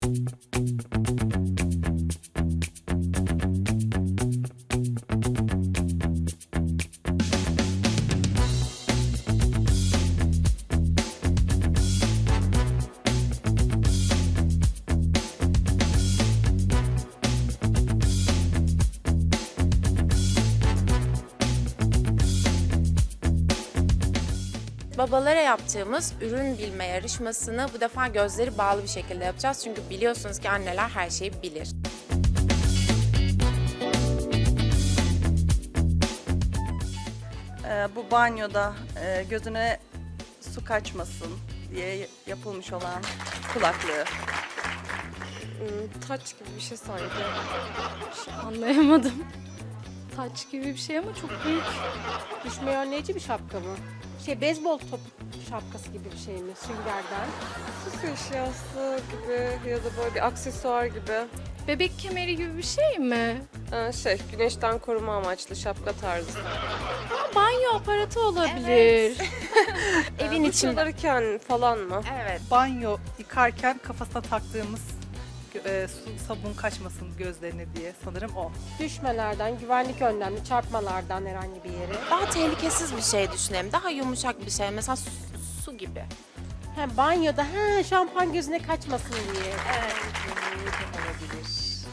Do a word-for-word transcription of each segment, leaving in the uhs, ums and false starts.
Babalara yaptığımız ürün bilme yarışmasını bu defa gözleri bağlı bir şekilde yapacağız. Çünkü biliyorsunuz ki anneler her şeyi bilir. Ee, bu banyoda e, gözüne su kaçmasın diye yapılmış olan kulaklığı. Hmm, taç gibi bir şey sanki. Anlayamadım. Taç gibi bir şey ama çok büyük. Düşmeyi önleyici bir şapka mı? Şey beyzbol top şapkası gibi bir şey mi? Süngerden. Su eşyası gibi ya da böyle bir aksesuar gibi. Bebek kemeri gibi bir şey mi? Ee, şey, güneşten koruma amaçlı şapka tarzı. Ha, banyo aparatı olabilir. Evin Duş içinde. alırken falan mı? Evet. Banyo yıkarken kafasına taktığımız e, su, sabun kaçmasın gözlerine diye sanırım o. Düşmelerden, güvenlik önlemli çarpmalardan herhangi bir yere. Daha tehlikesiz bir şey düşünelim. Daha yumuşak bir şey. Mesela su, su gibi. He, banyoda he, şampuan gözüne kaçmasın diye. Olabilir.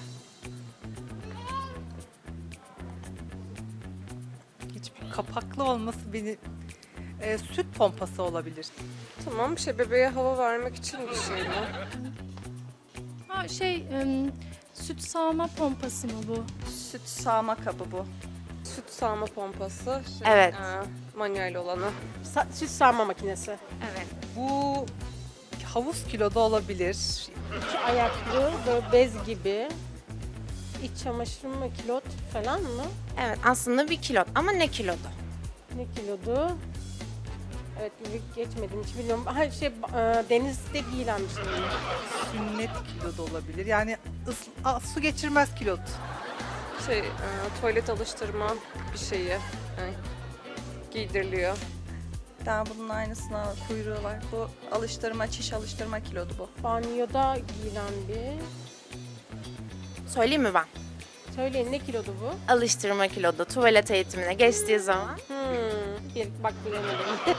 Hiçbir kapaklı olması beni e, süt pompası olabilir. Tamam, bir şey bebeğe hava vermek için bir şey mi? Ha şey, em, süt sağma pompası mı bu? Süt sağma kabı bu. Süt sağma pompası. Şey, Evet. e, manuel olanı. Sa- süt sağma makinesi. Evet. Bu havuz kiloda olabilir. İki ayaklı, böyle bez gibi. İç çamaşır mı, kilot falan mı? Evet, aslında bir kilot ama ne kilodu? Ne kilodu? Evet, geçmedim hiç bilmiyorum. Ha, şey, e, denizde giyilen bir şey mi? Sünnet kiloda olabilir. Yani ıs- a, su geçirmez kilot. Şey, e, tuvalet alıştırma bir şeyi. E, giydiriliyor. Bir tane bunun aynısına kuyruğu var. Bu alıştırma, çiş alıştırma kilodu bu. Banyoda giyilen bir... Söyleyeyim mi ben? Söyleyin, ne kilodu bu? Alıştırma kilodu. Tuvalet eğitimine geçtiği zaman. Hmm, bir, bak bilemedim.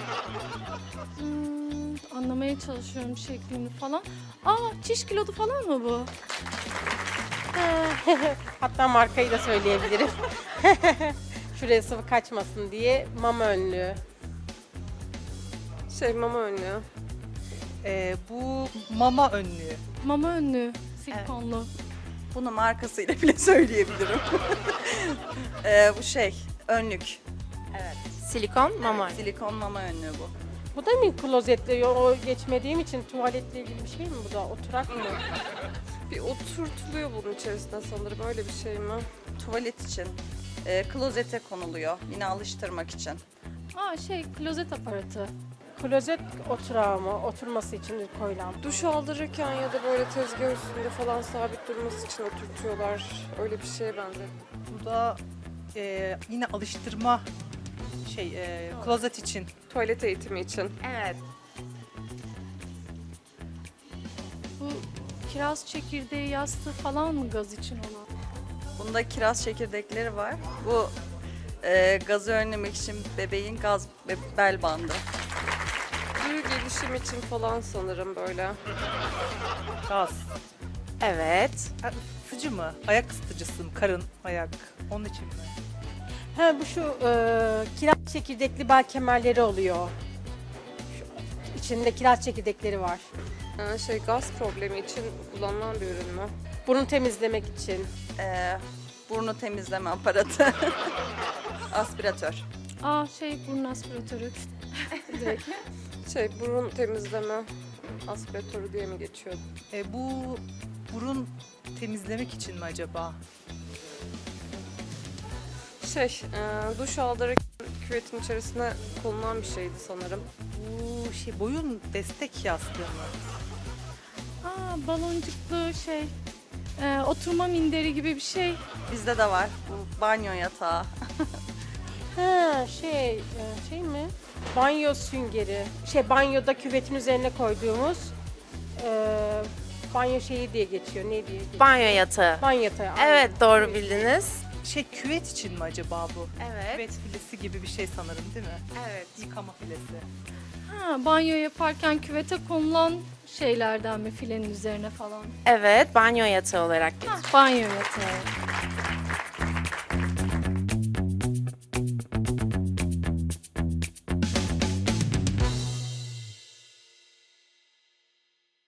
Hmm, anlamaya çalışıyorum şeklini falan. Aa, çiş kilodu falan mı bu? Hatta markayı da söyleyebilirim. Şuraya sıvı kaçmasın diye mama önlüğü. Şey, mama önlüğü. E, bu mama önlüğü. Mama önlüğü, silikonlu. Bunu markasıyla bile söyleyebilirim. Ee, bu şey, önlük. Silikon mama. Evet, silikon mama önlüğü bu. Bu da mı klozetle? O geçmediğim için tuvaletle ilgili bir şey mi bu da? Oturak mı? Bir oturtuluyor bunun içerisinde sanırım. Öyle bir şey mi? Tuvalet için. Ee, klozete konuluyor. Yine alıştırmak için. Aa şey, klozet aparatı. Klozet oturağı mı? Oturması için koyulan. Duş aldırırken ya da böyle tezgah üstünde falan sabit durması için oturtuyorlar. Öyle bir şeye benzer. Bu da e, yine alıştırma şey e, klozet için. Tuvalet eğitimi için. Evet. Bu kiraz çekirdeği yastığı falan mı gaz için olan? Bunda kiraz çekirdekleri var. Bu e, gazı önlemek için bebeğin gaz ve bel bandı. Duru gelişim için falan sanırım böyle. Gaz. Evet. Ha, ısıtıcı mı? Ayak ısıtıcısı mı? Karın, ayak. Onun için mi? Ha bu şu e, kiraz çekirdekli bel kemerleri oluyor. Şu, içinde kiraz çekirdekleri var. Ee, şey, gaz problemi için kullanılan bir ürün mü? Burun temizlemek için. Ee, burnu temizleme aparatı. Aspiratör. Aa şey, burun aspiratörü. Direkt. Şey, burun temizleme aspiratörü diye mi geçiyor? E, bu burun temizlemek için mi acaba? Şey, e, duş aldırırken küvetin içerisine konulan bir şeydi sanırım. Bu şey boyun destek yastığı mı? Aa, baloncuklu şey, e, oturma minderi gibi bir şey. Bizde de var. Bu banyo yatağı. Ha şey, e, şey mi? Banyo süngeri. Şey banyoda küvetin üzerine koyduğumuz e, Banyo şeyi diye geçiyor. Ne diye geçiyor? Banyo yatağı. Banyo yatağı. aynen. Evet, doğru bildiniz. Şey küvet için mi acaba bu? Evet. Küvet filesi gibi bir şey sanırım değil mi? Evet. Yıkama filesi. Ha, banyo yaparken küvete konulan şeylerden mi filenin üzerine falan? Evet, banyo yatağı olarak geçiyor. Banyo yatağı.